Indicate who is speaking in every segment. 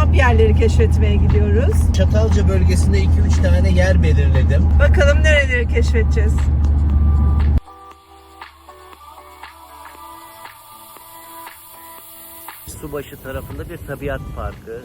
Speaker 1: kamp yerleri keşfetmeye gidiyoruz.
Speaker 2: Çatalca bölgesinde 2-3 tane yer belirledim.
Speaker 1: Bakalım nereleri keşfedeceğiz.
Speaker 2: Subaşı tarafında bir tabiat parkı.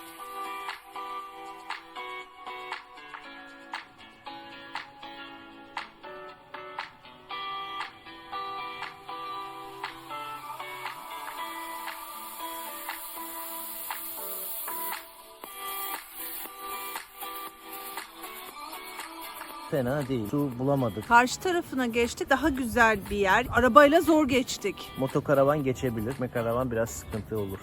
Speaker 2: Fena değil. Su bulamadık.
Speaker 1: Karşı tarafına geçtik. Daha güzel bir yer. Arabayla zor geçtik.
Speaker 2: Motokaravan geçebilir. Mekaravan biraz sıkıntı olur.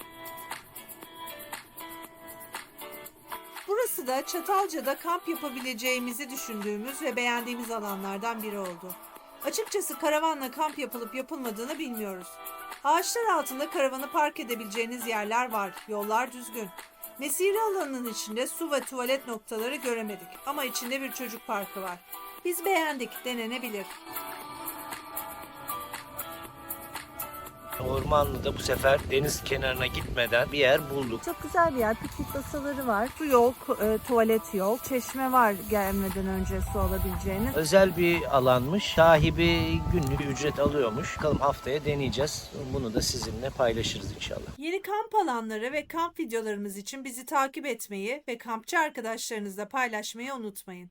Speaker 1: Burası da Çatalca'da kamp yapabileceğimizi düşündüğümüz ve beğendiğimiz alanlardan biri oldu. Açıkçası karavanla kamp yapılıp yapılmadığını bilmiyoruz. Ağaçlar altında karavanı park edebileceğiniz yerler var. Yollar düzgün. Mesire alanının içinde su ve tuvalet noktaları göremedik ama içinde bir çocuk parkı var. Biz beğendik, denenebilir.
Speaker 2: Ormanlı'da bu sefer deniz kenarına gitmeden bir yer bulduk.
Speaker 1: Çok güzel bir yer. Piknik masaları var. Su yok, tuvalet yok. Çeşme var gelmeden önce su alabileceğiniz.
Speaker 2: Özel bir alanmış. Sahibi günlük ücret alıyormuş. Bakalım haftaya deneyeceğiz. Bunu da sizinle paylaşırız inşallah.
Speaker 1: Yeni kamp alanları ve kamp videolarımız için bizi takip etmeyi ve kampçı arkadaşlarınızla paylaşmayı unutmayın.